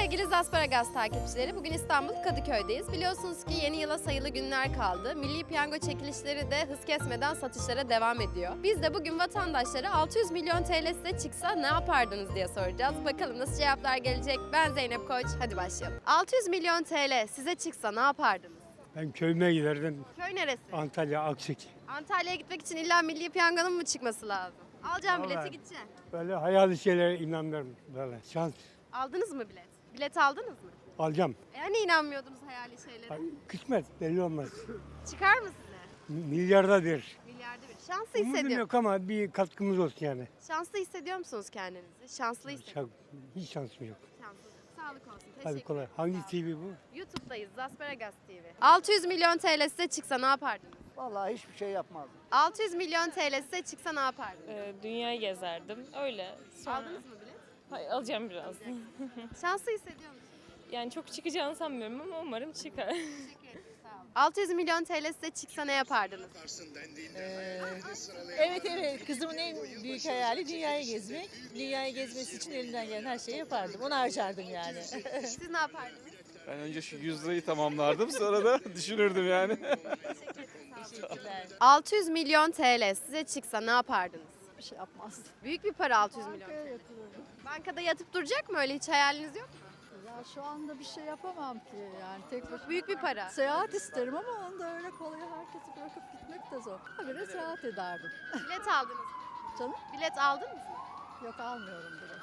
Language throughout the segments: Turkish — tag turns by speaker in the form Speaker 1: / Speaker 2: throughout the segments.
Speaker 1: Sevgili Zasparagaz takipçileri, bugün İstanbul Kadıköy'deyiz. Biliyorsunuz ki yeni yıla sayılı günler kaldı. Milli Piyango çekilişleri de hız kesmeden satışlara devam ediyor. Biz de bugün vatandaşlara 600 milyon TL size çıksa ne yapardınız diye soracağız. Bakalım nasıl cevaplar gelecek. Ben Zeynep Koç, hadi başlayalım. 600 milyon TL size çıksa ne yapardınız?
Speaker 2: Ben köyüme giderdim.
Speaker 1: Köy neresi?
Speaker 2: Antalya, Aksik.
Speaker 1: Antalya'ya gitmek için illa Milli Piyango'nun mu çıkması lazım? Alacağım bileti,
Speaker 2: Vallahi.
Speaker 1: gideceksin.
Speaker 2: Böyle hayali şeylere inanırım. Böyle şans
Speaker 1: Aldınız mı bilet? Bilet aldınız mı?
Speaker 2: alacağım.
Speaker 1: Yani inanmıyordunuz hayali şeylere.
Speaker 2: Ay, kısmet belli olmaz.
Speaker 1: Çıkar mı size?
Speaker 2: Milyarda bir.
Speaker 1: Milyarda bir. Şanslı
Speaker 2: Umudum
Speaker 1: hissediyor.
Speaker 2: yok ama bir katkımız olsun yani.
Speaker 1: Şanslı hissediyor musunuz kendinizi? Şanslı hissediyor.
Speaker 2: Hiç şansım yok.
Speaker 1: Şanslı. Sağlık olsun.
Speaker 2: Hadi
Speaker 1: Teşekkür
Speaker 2: kolay.
Speaker 1: ederim.
Speaker 2: Hangi
Speaker 1: Sağ olun.
Speaker 2: TV bu?
Speaker 1: YouTube'dayız. Zasparagas TV. 600 milyon TL size çıksa ne yapardınız?
Speaker 3: Vallahi hiçbir şey yapmazdım.
Speaker 1: 600 milyon TL size çıksa ne yapardınız?
Speaker 4: Dünyayı gezerdim. Öyle. Sonra...
Speaker 1: Aldınız mı bilet?
Speaker 4: Hayır, alacağım biraz.
Speaker 1: Şanslı hissediyor musunuz?
Speaker 4: Yani çok çıkacağını sanmıyorum ama umarım çıkar.
Speaker 1: Teşekkür ederim. Sağ olun. 600 milyon TL size çıksa ne yapardınız?
Speaker 5: Evet, kızımın en büyük hayali dünyayı gezmek. Dünyayı gezmesi için elinden gelen her şeyi yapardım. Onu harcardım yani.
Speaker 1: Siz ne yapardınız?
Speaker 6: Ben önce şu 100 lirayı tamamlardım sonra da düşünürdüm yani.
Speaker 5: Teşekkürler.
Speaker 1: 600 milyon TL size çıksa ne yapardınız?
Speaker 7: Bir şey yapmazdım.
Speaker 1: Büyük bir para 600 milyon.
Speaker 7: Bankaya yatırırdım.
Speaker 1: Bankada yatıp duracak mı, öyle hiç hayaliniz yok mu?
Speaker 7: Ya şu anda bir şey yapamam ki yani tek başına.
Speaker 1: Büyük bir para.
Speaker 7: Seyahat isterim ama onu da öyle kolay herkesi bırakıp gitmek de zor. Habire seyahat ederdim.
Speaker 1: Bilet aldınız mı?
Speaker 7: Canım
Speaker 1: Bilet aldınız mı?
Speaker 7: yok almıyorum bile.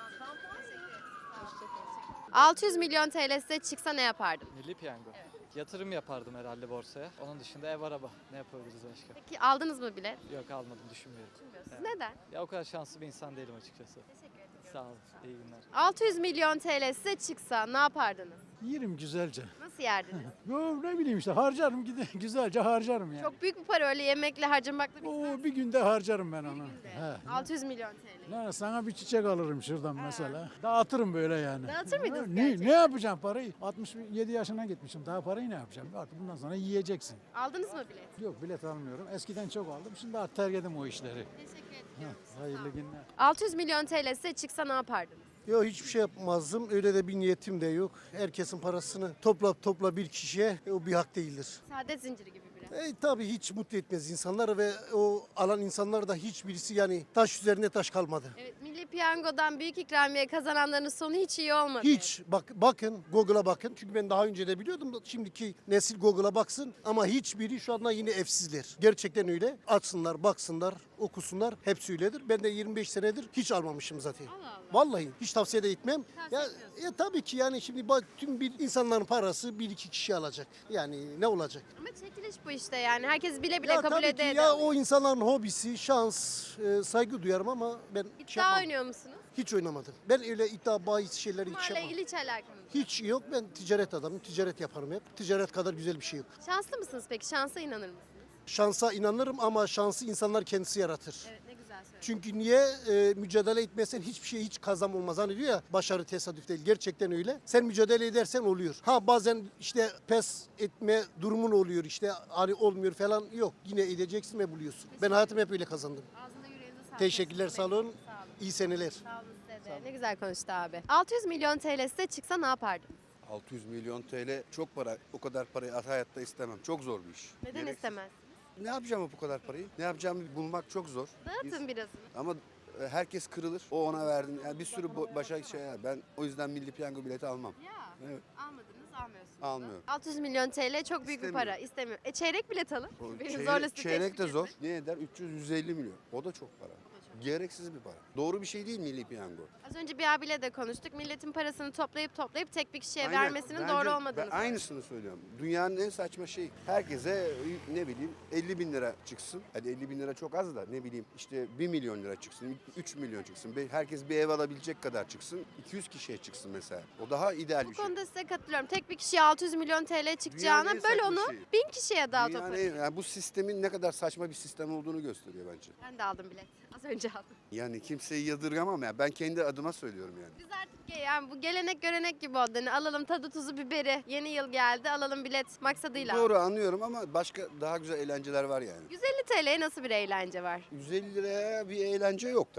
Speaker 7: Hoşçakalın.
Speaker 1: 600 milyon TL size çıksa ne yapardın?
Speaker 8: Milli piyango. Yatırım yapardım herhalde borsaya. Onun dışında ev araba. Ne yapabiliriz başka?
Speaker 1: Peki aldınız mı bilet?
Speaker 8: Yok almadım düşünmüyorum.
Speaker 1: Siz neden?
Speaker 8: Ya o kadar şanslı bir insan değilim açıkçası.
Speaker 1: Teşekkür ederim.
Speaker 8: Sağ olun. İyi günler.
Speaker 1: 600 milyon TL size çıksa ne yapardınız?
Speaker 9: Yerim güzelce.
Speaker 1: Nasıl yerdiniz?
Speaker 9: Yo, ne bileyim işte harcarım güzelce harcarım yani.
Speaker 1: Çok büyük bir para, öyle yemekle harcamakla bitmez.
Speaker 9: Oo, bir günde harcarım ben onu.
Speaker 1: günde.
Speaker 9: He.
Speaker 1: 600 milyon TL.
Speaker 9: Ne, sana bir çiçek alırım şuradan mesela. Dağıtırım böyle yani.
Speaker 1: Dağıtır mıydınız
Speaker 9: Ne
Speaker 1: gerçekten?
Speaker 9: yapacağım parayı? 67 yaşına gitmişim. Daha parayı ne yapacağım? Artık bundan sonra yiyeceksin.
Speaker 1: Aldınız mı bilet?
Speaker 9: Yok bilet almıyorum. Eskiden çok aldım. Şimdi artık terk ettim o işleri.
Speaker 1: Teşekkür
Speaker 9: Heh,
Speaker 1: ederim.
Speaker 9: hayırlı günler.
Speaker 1: 600 milyon TL size çıksa ne yapardınız?
Speaker 3: Yok hiçbir şey yapmazdım. Öyle de bir niyetim de yok. Herkesin parasını topla bir kişiye o bir hak değildir.
Speaker 1: Saadet zinciri gibi biraz.
Speaker 3: Tabii hiç mutlu etmez insanlar ve o alan insanlar da hiçbirisi yani taş üzerine taş kalmadı.
Speaker 1: Evet, Milli Piyango'dan büyük ikramiye kazananların sonu hiç iyi olmadı.
Speaker 3: Hiç bakın Google'a bakın çünkü ben daha önce de biliyordum da şimdiki nesil Google'a baksın ama hiçbiri şu anda yine evsizler. Gerçekten öyle. Açsınlar, baksınlar, okusunlar. Hepsi öyledir. Ben de 25 senedir hiç almamışım zaten.
Speaker 1: Allah Allah.
Speaker 3: Vallahi hiç tavsiye de etmem.
Speaker 1: Tavsiye
Speaker 3: Ya,
Speaker 1: etmiyorsun.
Speaker 3: tabii ki yani şimdi bak tüm bir insanların parası bir iki kişi alacak. Yani ne olacak?
Speaker 1: Ama çekiliş bu işte yani. Herkes bile bile
Speaker 3: Ya
Speaker 1: kabul
Speaker 3: tabii ki
Speaker 1: ede ede
Speaker 3: ya
Speaker 1: alıyor.
Speaker 3: o insanların hobisi, şans, saygı duyarım ama ben
Speaker 1: İddia oynuyor musunuz?
Speaker 3: hiç oynamadım. Ben öyle iddia bahis şeyleri hiç
Speaker 1: Bunlarla
Speaker 3: yapmam.
Speaker 1: ilgili hiç alakamız yok.
Speaker 3: Hiç yok. Ben ticaret adamım. Ticaret yaparım hep. Ticaret kadar güzel bir şey yok.
Speaker 1: Şanslı mısınız peki? Şansa inanır mısınız?
Speaker 3: Şansa inanırım ama şansı insanlar kendisi yaratır.
Speaker 1: Evet, ne güzel söyledin.
Speaker 3: Çünkü niye mücadele etmezsen hiçbir şey hiç kazanım olmaz. Hani diyor ya başarı tesadüf değil. Gerçekten öyle. Sen mücadele edersen oluyor. Ha bazen işte pes etme durumun oluyor işte hani olmuyor falan yok. Yine edeceksin ve buluyorsun. Ben hayatımı hep öyle kazandım.
Speaker 1: Ağzına yüreğinize sağlık.
Speaker 3: Teşekkürler sağ olun.
Speaker 1: Sağ olun.
Speaker 3: İyi seneler.
Speaker 1: Sağ olun size de. Ne güzel konuştu abi. 600 milyon TL size çıksa ne yapardınız?
Speaker 10: 600 milyon TL çok para. O kadar parayı hayatta istemem. Çok zor bir iş.
Speaker 1: Neden
Speaker 10: Gerek-
Speaker 1: istemez?
Speaker 10: Ne yapacağım bu kadar parayı? Ne yapacağımı bulmak çok zor.
Speaker 1: Dağıtın birazını.
Speaker 10: Ama herkes kırılır. O ona verdim. Yani bir sürü başka şey var. Ben o yüzden milli piyango bileti almam.
Speaker 1: Ya
Speaker 10: Evet.
Speaker 1: almadınız, almıyorsunuz. da.
Speaker 10: Almıyorum.
Speaker 1: 600 milyon TL çok büyük bir para.
Speaker 10: İstemiyorum.
Speaker 1: İstemiyor. Çeyrek bilet alın.
Speaker 10: O
Speaker 1: Beni
Speaker 10: çeyrek-
Speaker 1: zorla sizi
Speaker 10: çeyrek de
Speaker 1: teşvik
Speaker 10: zor.
Speaker 1: etmek.
Speaker 10: Ne eder? 300-150 milyon. O da çok para. Gereksiz bir para. Doğru bir şey değil milli piyango.
Speaker 1: Az önce bir abiyle de konuştuk. Milletin parasını toplayıp tek bir kişiye
Speaker 10: Aynen.
Speaker 1: vermesinin
Speaker 10: Bence-
Speaker 1: doğru olmadığını
Speaker 10: Ben
Speaker 1: söylüyor.
Speaker 10: aynısını söylüyorum. Dünyanın en saçma şeyi. Herkese ne bileyim 50 bin lira çıksın. Hadi 50 bin lira çok az da ne bileyim işte 1 milyon lira çıksın, 3 milyon çıksın. Herkes bir ev alabilecek kadar çıksın. 200 kişiye çıksın mesela. O daha ideal
Speaker 1: Bu
Speaker 10: bir şey.
Speaker 1: konuda size katılıyorum. Tek bir kişiye 600 milyon TL çıkacağına
Speaker 10: en
Speaker 1: böl
Speaker 10: saçma
Speaker 1: onu
Speaker 10: şeyi.
Speaker 1: 1000 kişiye dağıt o
Speaker 10: Dünyanın
Speaker 1: parayı.
Speaker 10: yani bu sistemin ne kadar saçma bir sistem olduğunu gösteriyor bence.
Speaker 1: Ben de aldım bilet. Az önce aldım.
Speaker 10: Yani kimseyi yadırgamam ya. Ben kendi adıma söylüyorum yani.
Speaker 1: Biz artık yani bu gelenek görenek gibi oldu. Yani alalım tadı tuzu biberi. Yeni yıl geldi, alalım bilet maksadıyla.
Speaker 10: Doğru anlıyorum ama başka daha güzel eğlenceler var yani.
Speaker 1: 150 TL'ye nasıl bir eğlence var?
Speaker 10: 150 liraya bir eğlence yok tabii. Yani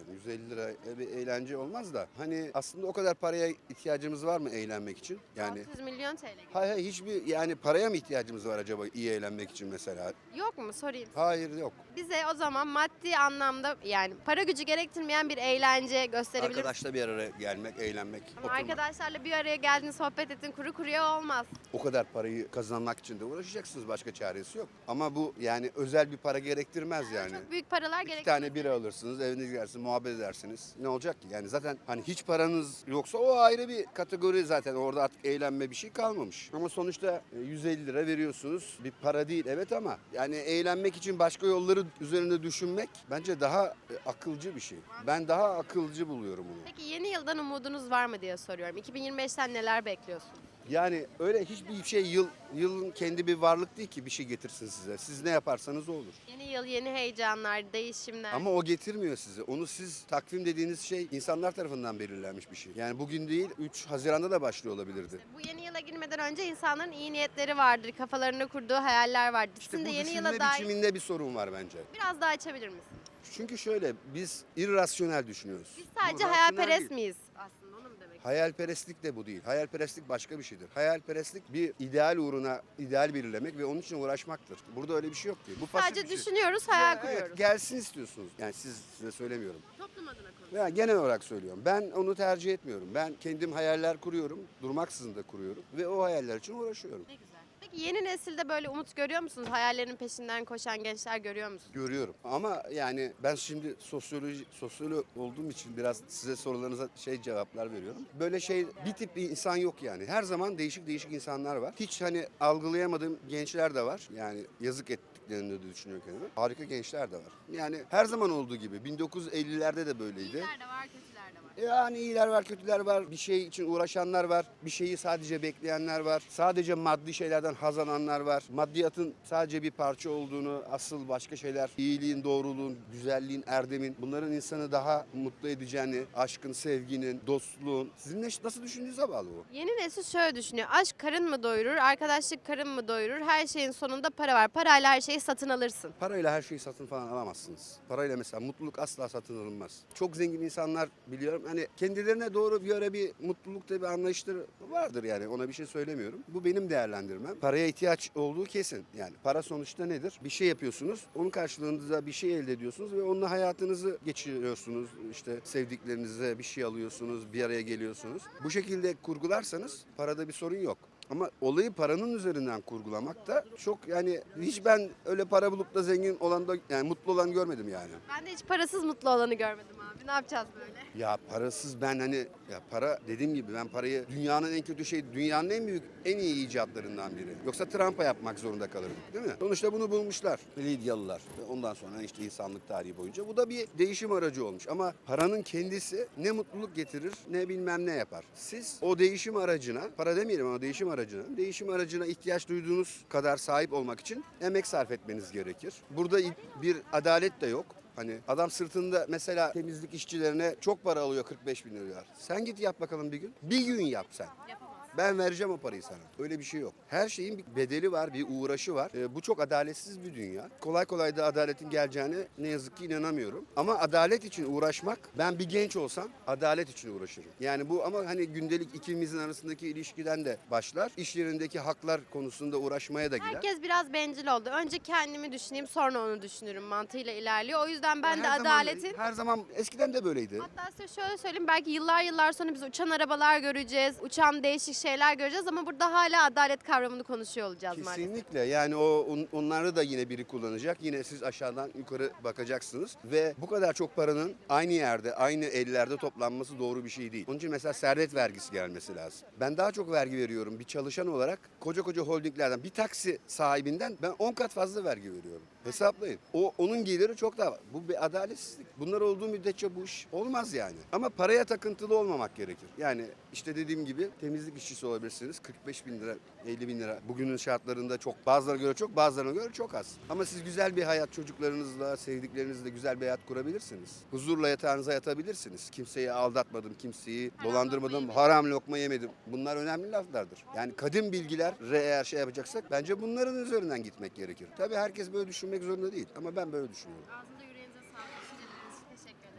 Speaker 10: yani. 150 lira bir eğlence olmaz da. Hani aslında o kadar paraya ihtiyacımız var mı eğlenmek için? Yani
Speaker 1: 600 milyon TL.
Speaker 10: hayır hiçbir yani paraya mı ihtiyacımız var acaba iyi eğlenmek için mesela?
Speaker 1: Yok mu sorayım.
Speaker 10: Hayır yok.
Speaker 1: Bize o zaman maddi anlamda yani para gücü gerektirmeyen bir eğlence gösterebilir misin?
Speaker 10: Arkadaşla bir araya gelmek, eğlenmek,
Speaker 1: Ama
Speaker 10: oturmak.
Speaker 1: arkadaşlarla bir araya geldin, sohbet ettin, kuru kuruya olmaz.
Speaker 10: O kadar parayı kazanmak için de uğraşacaksınız. Başka çaresi yok. Ama bu yani özel bir para gerektirmez yani.
Speaker 1: Çok büyük paralar
Speaker 10: İki
Speaker 1: gerektirmez.
Speaker 10: tane bira alırsınız, evinize gidersiniz, muhabbet edersiniz. Ne olacak ki? Yani zaten hani hiç paranız yoksa o ayrı bir kategori zaten. Orada artık eğlenme bir şey kalmamış. Ama sonuçta 150 lira veriyorsunuz. Bir para değil evet ama yani eğlenmek için başka yolları üzerinde düşünmek bence daha akılcı bir şey. Ben daha akılcı buluyorum bunu.
Speaker 1: Peki yeni yıldan umudunuz var mı diye soruyorum. 2025'ten neler bekliyorsun?
Speaker 10: Yani öyle hiçbir şey yılın kendi bir varlık değil ki bir şey getirsin size. Siz ne yaparsanız o olur.
Speaker 1: Yeni yıl, yeni heyecanlar, değişimler.
Speaker 10: Ama o getirmiyor size. Onu siz takvim dediğiniz şey insanlar tarafından belirlenmiş bir şey. Yani bugün değil 3 Haziran'da da başlıyor olabilirdi.
Speaker 1: Bu yeni yıla girmeden önce insanların iyi niyetleri vardır, kafalarında kurduğu hayaller vardır.
Speaker 10: İşte
Speaker 1: Sizin
Speaker 10: bu
Speaker 1: de yeni
Speaker 10: düşünme
Speaker 1: yıla dair
Speaker 10: biçiminde bir sorun var bence.
Speaker 1: biraz daha açabilir misin?
Speaker 10: Çünkü şöyle biz irrasyonel düşünüyoruz.
Speaker 1: Biz sadece
Speaker 10: Bu rasyonel
Speaker 1: hayalperest
Speaker 10: değil.
Speaker 1: miyiz aslında onu mu demek?
Speaker 10: Hayalperestlik de bu değil. Hayalperestlik başka bir şeydir. Hayalperestlik bir ideal uğruna ideal belirlemek ve onun için uğraşmaktır. Burada öyle bir şey yok ki. Bu pasif
Speaker 1: Sadece
Speaker 10: bir şey.
Speaker 1: düşünüyoruz, hayal
Speaker 10: Evet,
Speaker 1: kuruyoruz.
Speaker 10: gelsin istiyorsunuz. Yani size söylemiyorum.
Speaker 1: Toplum adına konuş.
Speaker 10: Ya genel olarak söylüyorum. Ben onu tercih etmiyorum. Ben kendim hayaller kuruyorum. Durmaksızın da kuruyorum. Ve o hayaller için uğraşıyorum.
Speaker 1: Ne güzel. Peki yeni nesilde böyle umut görüyor musunuz? Hayallerinin peşinden koşan gençler görüyor musunuz?
Speaker 10: Görüyorum. Ama yani ben şimdi sosyolog olduğum için biraz size sorularınıza cevaplar veriyorum. Böyle bir tip bir insan yok yani. Her zaman değişik insanlar var. Hiç hani algılayamadığım gençler de var. Yani yazık ettiklerini de düşünüyor kendime. Harika gençler de var. Yani her zaman olduğu gibi 1950'lerde de böyleydi.
Speaker 1: İyiler de var, kötüler de var.
Speaker 10: Yani iyiler var, kötüler var. Bir şey için uğraşanlar var. Bir şeyi sadece bekleyenler var. Sadece maddi şeylerden haz alanlar var. Maddiyatın sadece bir parça olduğunu, asıl başka şeyler, iyiliğin, doğruluğun, güzelliğin, erdemin, bunların insanı daha mutlu edeceğini, aşkın, sevginin, dostluğun. Sizin nasıl düşündüğünüze bağlı bu.
Speaker 1: Yeni nesil şöyle düşünüyor. Aşk karın mı doyurur, arkadaşlık karın mı doyurur? Her şeyin sonunda para var. Parayla her şeyi satın alırsın.
Speaker 10: Parayla her şeyi satın falan alamazsınız. Parayla mesela mutluluk asla satın alınmaz. Çok zengin insanlar biliyorum. Hani kendilerine doğru bir ara bir mutlulukta bir anlayışları vardır yani. Ona bir şey söylemiyorum. Bu benim değerlendirmem. Paraya ihtiyaç olduğu kesin. Yani para sonuçta nedir? Bir şey yapıyorsunuz. Onun karşılığında bir şey elde ediyorsunuz ve onunla hayatınızı geçiriyorsunuz. İşte sevdiklerinize bir şey alıyorsunuz, bir araya geliyorsunuz. Bu şekilde kurgularsanız parada bir sorun yok. Ama olayı paranın üzerinden kurgulamak da çok yani hiç ben öyle para bulup da zengin olan da yani mutlu olan görmedim yani.
Speaker 1: Ben de hiç parasız mutlu olanı görmedim abi. Ne yapacağız böyle?
Speaker 10: Ya parasız ben hani ya para dediğim gibi ben parayı dünyanın en kötü şey dünyanın en büyük en iyi icatlarından biri. Yoksa Trump'a yapmak zorunda kalırım değil mi? Sonuçta bunu bulmuşlar Lidyalılar. Ondan sonra işte insanlık tarihi boyunca bu da bir değişim aracı olmuş. Ama paranın kendisi ne mutluluk getirir ne bilmem ne yapar. Siz o değişim aracına para demeyelim ama değişim aracına ihtiyaç duyduğunuz kadar sahip olmak için emek sarf etmeniz gerekir. Burada bir adalet de yok. Hani adam sırtında mesela temizlik işçilerine çok para alıyor 45 bin lira. Sen git yap bakalım bir gün. Bir gün yap sen. Ben vereceğim o parayı sana. Öyle bir şey yok. Her şeyin bir bedeli var, bir uğraşı var. Bu çok adaletsiz bir dünya. Kolay kolay da adaletin geleceğine ne yazık ki inanamıyorum. Ama adalet için uğraşmak, ben bir genç olsam adalet için uğraşırım. Yani bu ama hani gündelik ikimizin arasındaki ilişkiden de başlar. İş yerindeki haklar konusunda uğraşmaya da gider.
Speaker 1: Herkes biraz bencil oldu. Önce kendimi düşüneyim sonra onu düşünürüm mantığıyla ilerliyor. O yüzden ben
Speaker 10: Ya
Speaker 1: de adaletin...
Speaker 10: her zaman eskiden de böyleydi.
Speaker 1: Hatta size şöyle söyleyeyim, belki yıllar sonra biz uçan arabalar göreceğiz, uçan değişik şeyler göreceğiz ama burada hala adalet kavramını konuşuyor olacağız maalesef.
Speaker 10: Kesinlikle yani onları da yine biri kullanacak. Yine siz aşağıdan yukarı bakacaksınız ve bu kadar çok paranın aynı yerde, aynı ellerde toplanması doğru bir şey değil. Onun için mesela servet vergisi gelmesi lazım. Ben daha çok vergi veriyorum bir çalışan olarak koca holdinglerden bir taksi sahibinden ben 10 kat fazla vergi veriyorum. Hesaplayın. Onun geliri çok daha var. Bu bir adaletsizlik. Bunlar olduğu müddetçe bu iş olmaz yani. Ama paraya takıntılı olmamak gerekir. Yani işte dediğim gibi temizlik işçisi olabilirsiniz. 45 bin lira, 50 bin lira. Bugünün şartlarında çok. Bazılarına göre çok, bazılarına göre çok az. Ama siz güzel bir hayat çocuklarınızla, sevdiklerinizle güzel bir hayat kurabilirsiniz. Huzurla yatağınıza yatabilirsiniz. Kimseyi aldatmadım, kimseyi dolandırmadım, haram lokma yemedim. Bunlar önemli laflardır. Yani kadim bilgiler eğer yapacaksak bence bunların üzerinden gitmek gerekir. Tabii herkes böyle düşünmek zorunda değil ama ben böyle düşünüyorum.
Speaker 1: Ağzında yüreğinize sağlık. Düşünceleriniz için teşekkür ederim.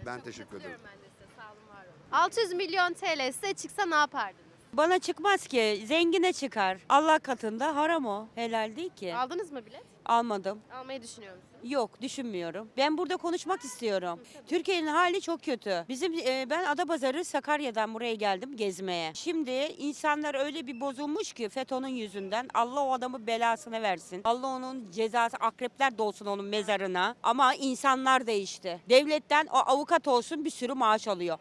Speaker 10: Ben teşekkür ederim.
Speaker 1: Katılıyorum ben de size. Sağ olun, var olun. 600 milyon TL size çıksa ne yapardınız?
Speaker 11: Bana çıkmaz ki. Zengine çıkar. Allah katında haram o. Helal değil ki.
Speaker 1: Aldınız mı bilet?
Speaker 11: Almadım.
Speaker 1: Almayı düşünüyor musunuz?
Speaker 11: Yok, düşünmüyorum. Ben burada konuşmak istiyorum. Türkiye'nin hali çok kötü. Ben Adapazarı Sakarya'dan buraya geldim gezmeye. Şimdi insanlar öyle bir bozulmuş ki FETÖ'nün yüzünden. Allah o adamı belasını versin. Allah onun cezası, akrepler dolsun onun mezarına. Ama insanlar değişti. Devletten o avukat olsun bir sürü maaş alıyor.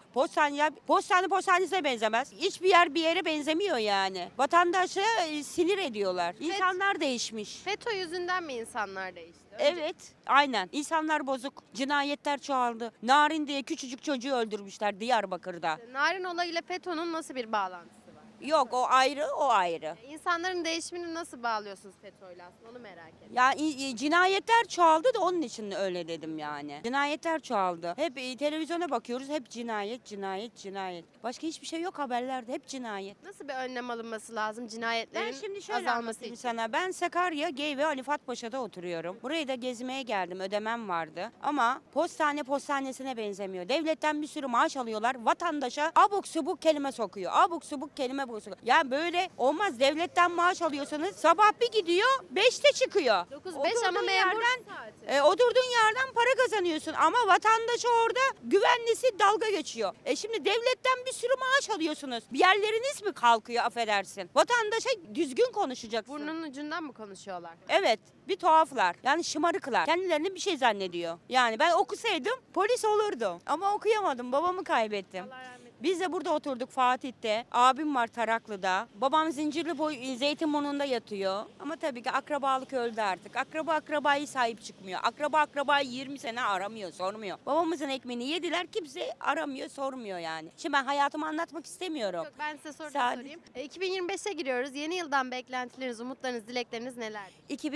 Speaker 11: Postanesine benzemez. Hiçbir yer bir yere benzemiyor yani. Vatandaşı sinir ediyorlar. İnsanlar değişmiş.
Speaker 1: FETÖ yüzünden mi insanlar değişti?
Speaker 11: Evet, aynen. İnsanlar bozuk. Cinayetler çoğaldı. Narin diye küçücük çocuğu öldürmüşler Diyarbakır'da.
Speaker 1: Narin olayıyla FETÖ'nün nasıl bir bağlantısı var?
Speaker 11: Yok, o ayrı, o ayrı.
Speaker 1: İnsanların değişimini nasıl bağlıyorsunuz FETÖ'yle aslında, onu merak ediyorum.
Speaker 11: Ya cinayetler çoğaldı da onun için öyle dedim yani. Cinayetler çoğaldı. Hep televizyona bakıyoruz, hep cinayet, cinayet, cinayet. Başka hiçbir şey yok haberlerde, hep cinayet.
Speaker 1: Nasıl bir önlem alınması lazım
Speaker 11: Ben
Speaker 1: cinayetlerin
Speaker 11: şimdi şöyle
Speaker 1: azalması
Speaker 11: anlatayım
Speaker 1: için?
Speaker 11: sana. Ben Sakarya, Geyve, Ali Fuat Paşa'da oturuyorum. Burayı da gezmeye geldim. Ödemem vardı. Ama postanesine benzemiyor. Devletten bir sürü maaş alıyorlar. Vatandaşa abuk subuk kelime sokuyor. Abuk subuk kelime sokuyor. Ya böyle olmaz. Devletten maaş alıyorsanız sabah bir gidiyor 5'te çıkıyor.
Speaker 1: 9-5 ama
Speaker 11: Oturduğun
Speaker 1: memur
Speaker 11: yerden
Speaker 1: saati.
Speaker 11: Oturduğun yerden para kazanıyorsun ama vatandaşı orada güvenlisi dalga geçiyor. Şimdi devletten bir sürü maaş alıyorsunuz. Bir yerleriniz mi kalkıyor affedersin? Vatandaşa düzgün konuşacaksın.
Speaker 1: Burnunun ucundan mı konuşuyorlar?
Speaker 11: Evet, bir tuhaflar. Yani şımarıklar. Kendilerini bir şey zannediyor. Yani ben okusaydım polis olurdum. Ama okuyamadım. Babamı kaybettim.
Speaker 1: Allah rahmet eylesin.
Speaker 11: Biz de burada oturduk Fatih'te. Abim var Taraklı'da. Babam Zeytinburnu'nda yatıyor. Ama tabii ki akrabalık öldü artık. Akrabayı sahip çıkmıyor. Akrabayı 20 sene aramıyor, sormuyor. Babamızın ekmeğini yediler. Kimse aramıyor, sormuyor yani. Şimdi ben hayatımı anlatmak istemiyorum.
Speaker 1: Yok, ben size soru
Speaker 11: Sadece-
Speaker 1: sorayım. 2025'e giriyoruz. Yeni yıldan beklentileriniz, umutlarınız, dilekleriniz nelerdir?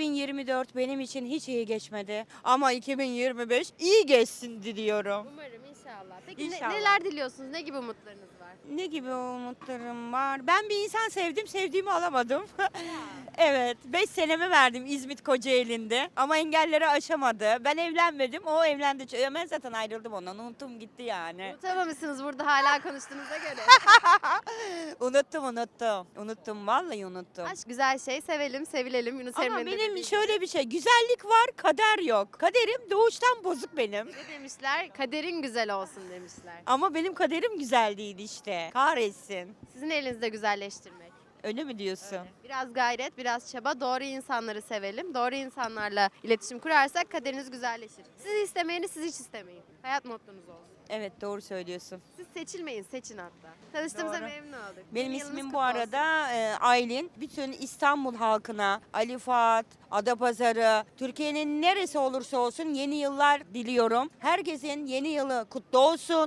Speaker 11: 2024 benim için hiç iyi geçmedi. Ama 2025 iyi geçsin diliyorum.
Speaker 1: Umarım, inşallah. Peki
Speaker 11: İnşallah.
Speaker 1: neler diliyorsunuz? Ne gibi umutlarınız var?
Speaker 11: Ne gibi umutlarım var? Ben bir insan sevdim, sevdiğimi alamadım. Evet, 5 senemi verdim İzmit Kocaeli'nde ama engelleri aşamadı. Ben evlenmedim, o evlendi. Ben zaten ayrıldım ondan, unuttum gitti yani.
Speaker 1: Unutamamışsınız burada hala konuştuğunuza göre.
Speaker 11: Unuttum, vallahi unuttum.
Speaker 1: Aşk güzel şey, sevelim, sevilelim. Yunus
Speaker 11: Ama
Speaker 1: Emre'nin de
Speaker 11: benim
Speaker 1: dediği
Speaker 11: şöyle bir şey, güzellik var, kader yok. Kaderim doğuştan bozuk benim.
Speaker 1: gibi. Ne demişler? Kaderin güzel olsun demişler.
Speaker 11: Ama benim kaderim güzel değil işte. Kahretsin.
Speaker 1: Sizin elinizde güzelleştirmek.
Speaker 11: Öyle mi diyorsun?
Speaker 1: Biraz gayret, biraz çaba. Doğru insanları sevelim. Doğru insanlarla iletişim kurarsak kaderiniz güzelleşir. Sizi istemeyeni siz hiç istemeyin. Hayat mottonuz olsun.
Speaker 11: Evet, doğru söylüyorsun.
Speaker 1: Siz seçilmeyin, seçin hatta. Tanıştığımıza
Speaker 11: Doğru.
Speaker 1: memnun olduk.
Speaker 11: Benim
Speaker 1: Yeni yılınız
Speaker 11: ismim
Speaker 1: kutlu
Speaker 11: bu
Speaker 1: olsun.
Speaker 11: arada Aylin. Bütün İstanbul halkına, Ali Fuat, Adapazarı, Türkiye'nin neresi olursa olsun yeni yıllar diliyorum. Herkesin yeni yılı kutlu olsun.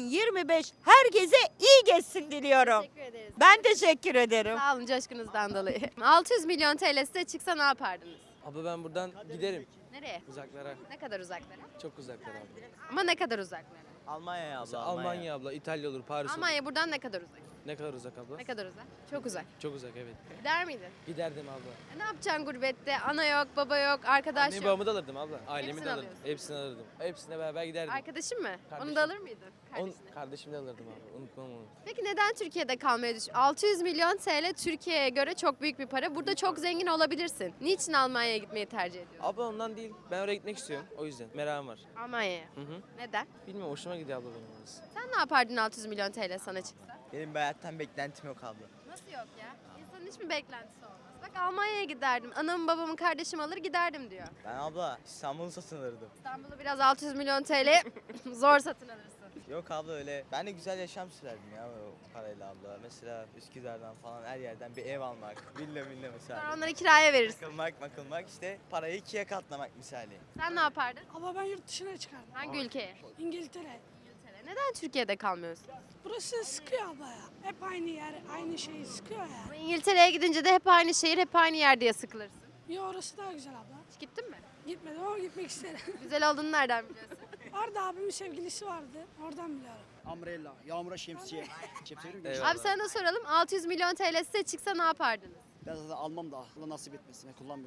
Speaker 11: 2025 herkese iyi geçsin diliyorum.
Speaker 1: Teşekkür ederiz.
Speaker 11: Ben teşekkür ederim.
Speaker 1: Sağ olun coşkunuzdan dolayı. 600 milyon TL size çıksa ne yapardınız?
Speaker 8: Abi ben buradan giderim
Speaker 1: Nereye?
Speaker 8: uzaklara.
Speaker 1: Ne kadar uzaklara?
Speaker 8: Çok uzaklara abi.
Speaker 1: Ama ne kadar uzaklara?
Speaker 8: Almanya'ya abla. Almanya abla, İtalya olur, Paris olur.
Speaker 1: Almanya buradan ne kadar uzak?
Speaker 8: Ne kadar uzak abla?
Speaker 1: Ne kadar uzak? Çok uzak.
Speaker 8: Çok uzak evet.
Speaker 1: Gider miydin?
Speaker 8: Giderdim abla.
Speaker 1: Ne yapacaksın gurbette? Ana yok, baba yok, arkadaş
Speaker 8: Annemi
Speaker 1: yok.
Speaker 8: babamı da alırdım abla. Ailemi
Speaker 1: Hepsini
Speaker 8: de alırdım.
Speaker 1: alıyorsun.
Speaker 8: Hepsini alırdım. Hepsine beraber giderdim.
Speaker 1: Arkadaşın mı? Onu
Speaker 8: Kardeşim.
Speaker 1: da alır mıydın?
Speaker 8: Onu
Speaker 1: Kardeşini.
Speaker 8: kardeşimi de alırdım abi. Unutmam onu.
Speaker 1: Peki neden Türkiye'de kalmayı düşün? 600 milyon TL Türkiye'ye göre çok büyük bir para. Burada çok zengin olabilirsin. Niçin Almanya'ya gitmeyi tercih ediyorsun?
Speaker 8: Abla ondan değil. Ben oraya gitmek istiyorum. O yüzden. Merakım var.
Speaker 1: Almanya'ya.
Speaker 8: Hı hı.
Speaker 1: Neden?
Speaker 8: Bilmiyorum hoşuma gidiyor abla benim orası.
Speaker 1: Sen ne yapardın 600 milyon TL sana çıksa?
Speaker 12: Benim bir hayattan beklentim yok abla.
Speaker 1: Nasıl yok ya? İnsanın hiç mi beklentisi olmaz? Bak Almanya'ya giderdim. Anamı babamı kardeşimi alır giderdim diyor.
Speaker 12: Ben abla İstanbul'u satın alırdım.
Speaker 1: İstanbul'u biraz 600 milyon TL zor satın alırsın.
Speaker 12: Yok abla öyle. Ben de güzel yaşam sürerdim ya o parayla abla. Mesela Üsküdar'dan falan her yerden bir ev almak. Villa mesela.
Speaker 1: Sonra onları kiraya verirsin.
Speaker 12: Makılmak işte parayı ikiye katlamak misali.
Speaker 1: Sen ne yapardın?
Speaker 7: Ama ben yurt dışına çıkardım.
Speaker 1: Hangi ülkeye?
Speaker 7: İngiltere.
Speaker 1: İngiltere. Neden Türkiye'de kalmıyorsun?
Speaker 7: Burası sıkıyor abla ya. Hep aynı yer, aynı şeyi sıkıyor ya.
Speaker 1: Ama İngiltere'ye gidince de hep aynı şehir, hep aynı yer diye sıkılırsın.
Speaker 7: Ya orası daha güzel abla.
Speaker 1: Hiç gittin mi?
Speaker 7: Gitmedim ama gitmek isterim.
Speaker 1: Güzel olduğunu nereden biliyorsun?
Speaker 7: Orada abimin sevgilisi vardı. Oradan biliyorum.
Speaker 12: Umbrella, yağmura şemsiye.
Speaker 8: Eyvallah.
Speaker 1: Abi sana da soralım. 600 milyon TL size çıksa ne yapardınız?
Speaker 12: Ben zaten almam da Allah nasip etmesin. Kullanmıyorum.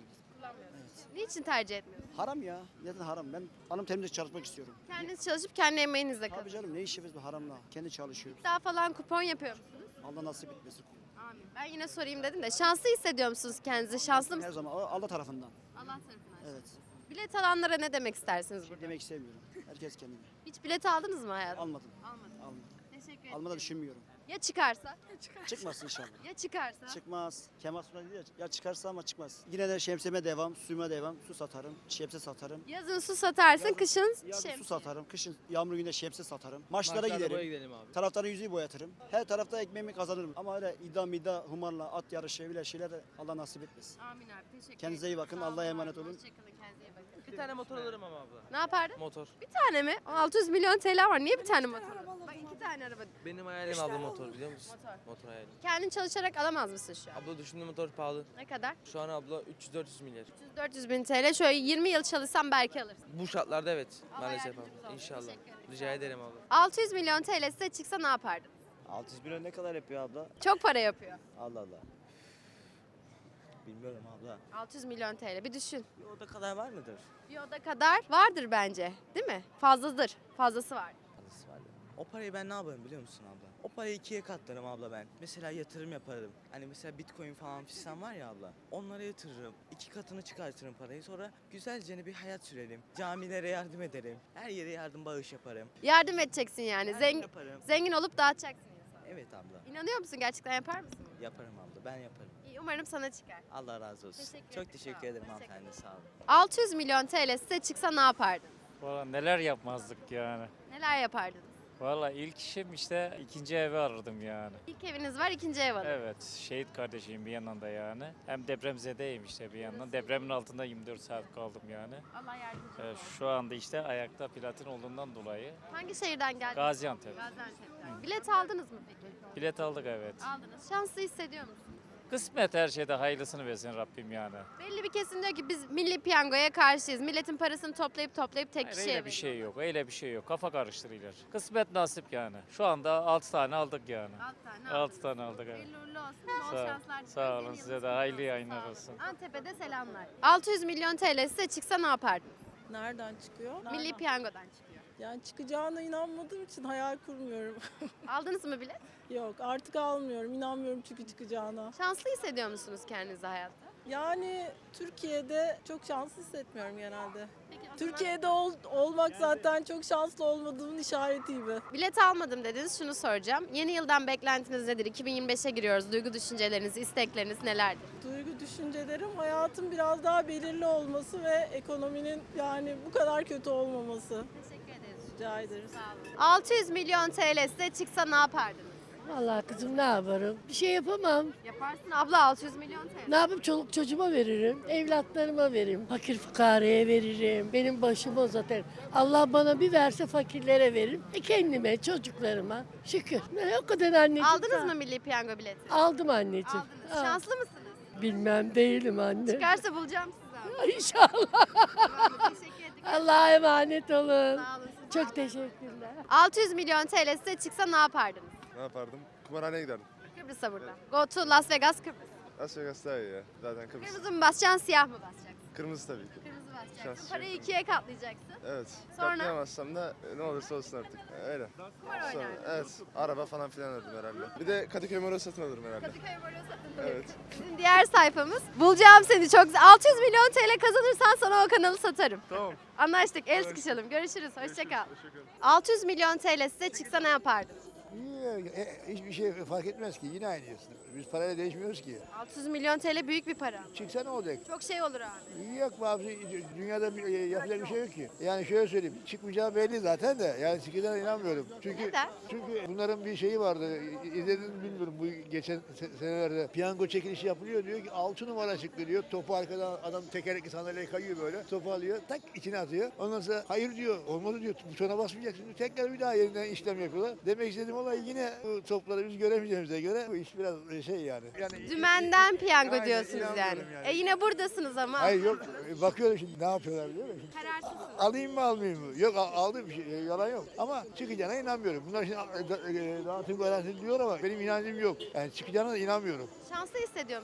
Speaker 1: Kullanmıyorsunuz. Niçin tercih etmiyorsunuz?
Speaker 9: Haram ya. Neden haram? Ben hanım temizlik çalışmak istiyorum.
Speaker 1: Kendiniz çalışıp kendi emeğinizle
Speaker 9: Tabii
Speaker 1: kazanıyorsunuz.
Speaker 9: canım ne işimiz bu haramla? Kendi çalışıyoruz.
Speaker 1: Daha falan kupon yapıyor musunuz?
Speaker 9: Allah nasip etmesin.
Speaker 1: Amin. Ben yine sorayım dedim de şanslı hissediyor musunuz kendinizi? Şanslı
Speaker 9: Her
Speaker 1: mısınız?
Speaker 9: zaman Allah tarafından.
Speaker 1: Allah tarafından.
Speaker 9: Evet.
Speaker 1: Bilet alanlara ne demek istersiniz burada?
Speaker 9: Demek istemiyorum. Herkes kendine.
Speaker 1: Hiç bilet aldınız mı hayatım?
Speaker 9: Almadım.
Speaker 1: Almadım.
Speaker 9: Almadım.
Speaker 1: Teşekkür ederim.
Speaker 9: Almadan düşünmüyorum.
Speaker 1: Ya çıkarsa?
Speaker 9: Çıkmaz inşallah.
Speaker 1: Ya çıkarsa?
Speaker 9: Çıkmaz. Kemal Sunal diyor ya çıkarsa ama çıkmaz. Yine de şemsiyeme devam, suyuma devam. Su satarım, şemsiye satarım.
Speaker 1: Yazın su satarsın, kışın
Speaker 9: Yazın
Speaker 1: şemsiye.
Speaker 9: su satarım, kışın yağmur günde şemsiye satarım. Maçlara giderim.
Speaker 12: abi.
Speaker 9: Taraftarın yüzüğü boyatırım. Her tarafta ekmeğimi kazanırım. Ama öyle iddia, humarla, at yarışı bile şeyler de Allah nasip etmesin.
Speaker 1: Amin abi, teşekkür
Speaker 9: Kendinize iyi bakın,
Speaker 1: Sağ olun
Speaker 9: Allah'a
Speaker 1: abi,
Speaker 9: emanet olun.
Speaker 1: Hoşçakalın, kendinize iyi bakın.
Speaker 12: Bir tane motor alırım ama abla.
Speaker 1: Ne yapardın?
Speaker 12: Motor.
Speaker 1: Bir tane mi? 600 milyon TL var. Niye bir tane motor? Bak 2 tane araba.
Speaker 12: Benim hayalim abla motor biliyor musun?
Speaker 1: Motor.
Speaker 12: Motor hayalim.
Speaker 1: Kendin çalışarak alamaz mısın şu an?
Speaker 12: Abla düşündüğüm motor pahalı.
Speaker 1: Ne kadar?
Speaker 12: Şu an abla 300-400 milyar.
Speaker 1: 300-400 bin TL. Şöyle 20 yıl çalışsam belki alırsın.
Speaker 12: Bu şartlarda evet.
Speaker 1: Allah
Speaker 12: Maalesef
Speaker 1: yardımcınız
Speaker 12: abla.
Speaker 1: olsun.
Speaker 12: İnşallah.
Speaker 1: Teşekkür ederim.
Speaker 12: Rica ederim abla.
Speaker 1: 600 milyon TL size çıksa ne yapardın?
Speaker 12: 600 milyon ne kadar yapıyor abla?
Speaker 1: Çok para yapıyor.
Speaker 12: Allah Allah. Bilmiyorum abla.
Speaker 1: 600 milyon TL. Bir düşün.
Speaker 12: Bir oda kadar var mıdır?
Speaker 1: Bir oda kadar vardır bence. Değil mi? Fazladır. Fazlası var.
Speaker 12: Fazlası var. O parayı ben ne yaparım biliyor musun abla? O parayı ikiye katlarım abla ben. Mesela yatırım yaparım. Hani mesela bitcoin falan fistan var ya abla. Onlara yatırırım. 2 katını çıkartırım parayı. Sonra güzelce bir hayat sürelim. Camilere yardım ederim. Her yere yardım bağış yaparım.
Speaker 1: Yardım edeceksin yani.
Speaker 12: Yardım yaparım.
Speaker 1: Zengin olup dağıtacaksın insana.
Speaker 12: Evet abla.
Speaker 1: İnanıyor musun? Gerçekten yapar mısın?
Speaker 12: Yaparım abla. Ben yaparım.
Speaker 1: İyi, umarım sana çıkar.
Speaker 12: Allah razı olsun.
Speaker 1: Teşekkür ederim,
Speaker 12: Çok
Speaker 1: sağ
Speaker 12: teşekkür
Speaker 1: olun.
Speaker 12: ederim
Speaker 1: Hoşça
Speaker 12: hanımefendi. Sağ olun.
Speaker 1: 600 milyon TL size çıksa ne yapardın?
Speaker 13: Valla neler yapmazdık yani.
Speaker 1: Neler yapardınız?
Speaker 13: Valla ilk işim işte ikinci evi arardım yani.
Speaker 1: İlk eviniz var, ikinci ev alın.
Speaker 13: Evet, şehit kardeşiyim bir yandan da yani. Hem depremzedeyim işte bir yandan. Depremin altında 24 saat kaldım yani.
Speaker 1: Allah yardımcınız olsun.
Speaker 13: Şu anda işte ayakta platin olduğundan dolayı.
Speaker 1: Hangi şehirden geldiniz?
Speaker 13: Gaziantep.
Speaker 1: Gaziantep'ten. Bilet aldınız mı peki?
Speaker 13: Bilet aldık evet.
Speaker 1: Aldınız. Şanslı hissediyor musunuz?
Speaker 13: Kısmet her şeyde hayırlısını versin Rabbim yani.
Speaker 1: Belli bir kesim diyor ki biz milli piyangoya karşıyız. Milletin parasını toplayıp tek
Speaker 13: Hayır,
Speaker 1: kişiye
Speaker 13: öyle bir şey
Speaker 1: veriyor.
Speaker 13: yok, öyle bir şey yok. Kafa karıştırıyorlar. Kısmet nasip yani. Şu anda 6 tane aldık yani. 6 tane aldık evet.
Speaker 1: Hayırlı uğurlu olsun. Bol
Speaker 13: Sağ,
Speaker 1: şanslar.
Speaker 13: sağ olun size de hayırlı yayınlar olsun.
Speaker 1: Antep'e de selamlar. 600 milyon TL size çıksa ne yapardınız?
Speaker 7: Nereden çıkıyor?
Speaker 1: Milli piyangodan çıkıyor.
Speaker 7: Yani çıkacağına inanmadığım için hayal kurmuyorum.
Speaker 1: Aldınız mı bilet?
Speaker 7: Yok artık almıyorum. İnanmıyorum çünkü çıkacağına.
Speaker 1: Şanslı hissediyor musunuz kendinizi hayatta?
Speaker 7: Yani Türkiye'de çok şanslı hissetmiyorum genelde.
Speaker 1: Peki, o zaman
Speaker 7: Türkiye'de olmak zaten çok şanslı olmadığımın işareti gibi.
Speaker 1: bilet almadım dediniz. Şunu soracağım. Yeni yıldan beklentiniz nedir? 2025'e giriyoruz. Duygu düşünceleriniz, istekleriniz nelerdir?
Speaker 7: Duygu düşüncelerim hayatın biraz daha belirli olması ve ekonominin yani bu kadar kötü olmaması.
Speaker 1: Teşekkür ederiz.
Speaker 7: Rica ederiz.
Speaker 1: 600 milyon TL size çıksa ne yapardınız?
Speaker 5: Vallahi kızım ne yaparım? Bir şey yapamam.
Speaker 1: Yaparsın abla 600 milyon TL.
Speaker 5: Ne yapayım? Çoluk çocuğuma veririm. Evlatlarıma veririm. Fakir fukaraya veririm. Benim başım o zaten. Allah bana bir verse fakirlere veririm. Kendime, çocuklarıma. Şükür. Ne o kadar anneciğim.
Speaker 1: Aldınız mı milli piyango bileti?
Speaker 5: Aldım anneciğim.
Speaker 1: Aldınız.
Speaker 5: Al.
Speaker 1: Şanslı mısınız?
Speaker 5: Bilmem değilim anne.
Speaker 1: Çıkarsa bulacağım sizi abi.
Speaker 5: İnşallah.
Speaker 1: Tamam, teşekkür ederim.
Speaker 5: Allah'a emanet olun.
Speaker 1: Sağ olun.
Speaker 5: Çok teşekkürler.
Speaker 1: 600 milyon TL size çıksa ne yapardınız?
Speaker 6: Ne yapardım? Kumarhaneye giderdim.
Speaker 1: Kıbrıs'a burada. Go to Las Vegas, Kıbrıs.
Speaker 6: Las Vegas daha iyi ya. Zaten Kıbrıs.
Speaker 1: Kırmızı mı basacaksın, siyah mı basacaksın?
Speaker 6: Kırmızı tabii ki.
Speaker 1: Kırmızı basacaksın.
Speaker 6: Şans
Speaker 1: Parayı ikiye katlayacaksın.
Speaker 6: Evet.
Speaker 1: Sonra?
Speaker 6: Katlayamazsam da ne olursa olsun artık. Öyle.
Speaker 1: Kumar oynardın.
Speaker 6: Evet. Araba falan filan alırdım herhalde. Bir de Kadıköy Moro satın alırım herhalde.
Speaker 1: Kadıköy Moro satın
Speaker 6: Evet.
Speaker 1: Bizim diğer sayfamız. Bulacağım seni çok güzel. 600 milyon TL kazanırsan sana o kanalı satarım.
Speaker 6: Tamam.
Speaker 1: Anlaştık. El sıkışalım. Görüşürüz. Hoşça kal. 600 milyon TL size çıksa ne yapardınız?
Speaker 9: Hiçbir şey fark etmez ki yine aynıyız. Biz parayla değişmiyoruz ki.
Speaker 1: 600 milyon TL büyük bir para.
Speaker 9: Çıksa ne olacak?
Speaker 1: Çok şey olur abi.
Speaker 9: Yok be abi dünyada yapacak bir şey yok ki. Yani şöyle söyleyeyim çıkmayacağı belli zaten de yani çıkacağına inanmıyorum.
Speaker 1: Neden?
Speaker 9: Çünkü bunların bir şeyi vardı izlediniz bilmiyorum bu geçen senelerde piyango çekilişi yapılıyor diyor ki 6 numara çıktı diyor. Topu arkadan adam tekerlekli sandalyeye kayıyor böyle topu alıyor tak içine atıyor. Ondan sonra hayır diyor olmadı diyor butona basmayacaksın diyor. Tekrar bir daha yeniden işlem yapıyorlar. Demek istediğim olay yine bu topları biz göremeyeceğimize göre bu iş biraz şey yani.
Speaker 1: Dümenden piyango
Speaker 9: Aynen,
Speaker 1: diyorsunuz yani.
Speaker 9: inanmıyorum yani.
Speaker 1: Yine buradasınız ama.
Speaker 9: Hayır yok bakıyorum şimdi ne yapıyorlar biliyor musun?
Speaker 1: Kararsızsınız.
Speaker 9: Alayım mı almayayım mı? Yok aldım bir şey yalan yok. Ama çıkacağına inanmıyorum. Bunlar şimdi dağıtım garantisi diyor ama benim inancım yok. Yani çıkacağına da inanmıyorum.
Speaker 1: Şanslı hissediyor musunuz?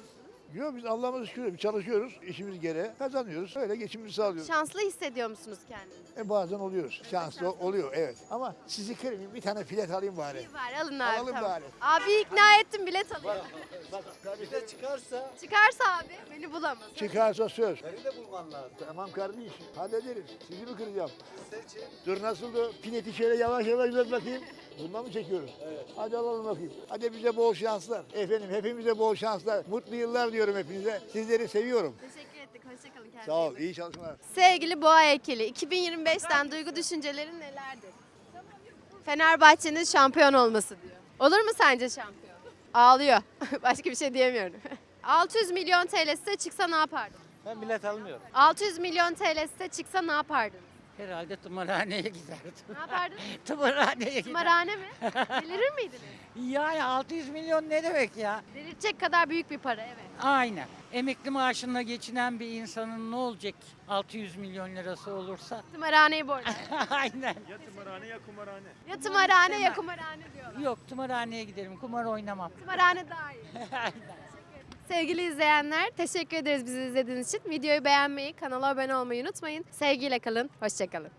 Speaker 9: Yok biz Allah'ımıza şükür biz çalışıyoruz. İşimiz gereği kazanıyoruz. Öyle geçimimizi sağlıyoruz.
Speaker 1: Şanslı hissediyor musunuz kendinizi?
Speaker 9: Bazen oluyoruz. Şanslı oluyor evet. Ama sizi kırmayayım bir tane bilet alayım bari.
Speaker 1: İyi var alın abi.
Speaker 9: Alalım
Speaker 1: tamam.
Speaker 9: bari.
Speaker 1: Abi ikna ettim bilet alayım.
Speaker 3: Bir de çıkarsa
Speaker 1: Çıkarsa abi beni bulamaz.
Speaker 9: Çıkarsa söz.
Speaker 3: beni de bulman lazım.
Speaker 9: Tamam kardeşim hallederiz. Sizi mi kıracağım? Dur nasıldı? Pileti şöyle yavaş yavaş uzat bakayım. Bundan mı çekiyoruz? Evet. Hadi alalım bakayım. Hadi bize bol şanslar. Efendim hepimize bol şanslar. Mutlu yıllar diyorum hepinize. Sizleri seviyorum.
Speaker 1: Teşekkür ettik. Hoşçakalın kendinize.
Speaker 9: Sağ ol. İyi çalışmalar.
Speaker 1: Sevgili Boğa Ekili, 2025'ten duygu düşüncelerin nelerdir? Fenerbahçe'nin şampiyon olması diyor. Olur mu sence şampiyon? Ağlıyor. Başka bir şey diyemiyorum. 600 milyon TL size çıksa ne yapardın?
Speaker 8: Ben bilet almıyorum.
Speaker 1: 600 milyon TL size çıksa ne yapardın?
Speaker 8: Herhalde tımarhaneye giderdim.
Speaker 1: Ne yapardın?
Speaker 8: Tımarhaneye
Speaker 1: Tımarhane mi? Delirir miydiniz?
Speaker 8: Yani 600 milyon ne demek ya?
Speaker 1: Delirtecek kadar büyük bir para evet.
Speaker 8: Aynen. Emekli maaşına geçinen bir insanın ne olacak 600 milyon lirası olursa?
Speaker 1: Tımarhaneyi borç.
Speaker 8: Aynen.
Speaker 6: Ya tımarhane ya kumarhane.
Speaker 1: Ya tımarhane ya kumarhane diyorlar.
Speaker 8: Yok tımarhaneye giderim. Kumar oynamam.
Speaker 1: Tımarhane daha iyi.
Speaker 8: Aynen.
Speaker 1: Sevgili izleyenler, teşekkür ederiz bizi izlediğiniz için. Videoyu beğenmeyi, kanala abone olmayı unutmayın. Sevgiyle kalın, hoşça kalın.